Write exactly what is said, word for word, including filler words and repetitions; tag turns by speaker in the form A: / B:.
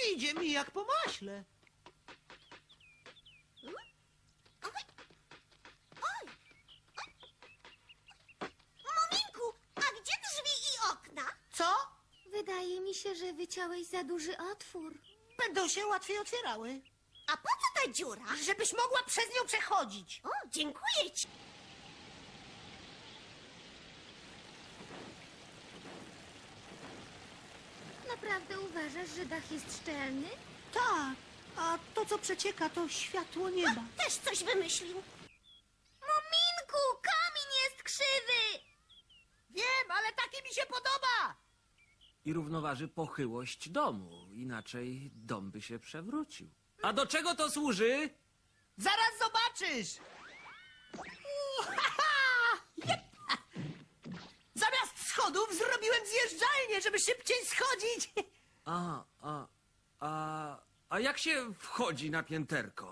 A: Idzie mi jak po maśle.
B: Oj! Oj! Muminku, a gdzie drzwi i okna?
A: Co?
C: Wydaje mi się, że wyciąłeś za duży otwór.
A: Będą się łatwiej otwierały.
B: A po co ta dziura?
A: Żebyś mogła przez nią przechodzić.
B: O, dziękuję ci.
C: Naprawdę uważasz, że dach jest szczelny?
A: Tak, a to co przecieka to światło nieba.
B: Też coś wymyślił.
C: Muminku, kamień jest krzywy!
A: Wiem, ale taki mi się podoba.
D: I równoważy pochyłość domu, inaczej dom by się przewrócił. A do czego to służy?
A: Zaraz zobaczysz. Uhaha! Jep! Zamiast schodów zrobiłem zjeżdżalnię, żeby szybciej schodzić.
D: A, a, a, a jak się wchodzi na pięterko?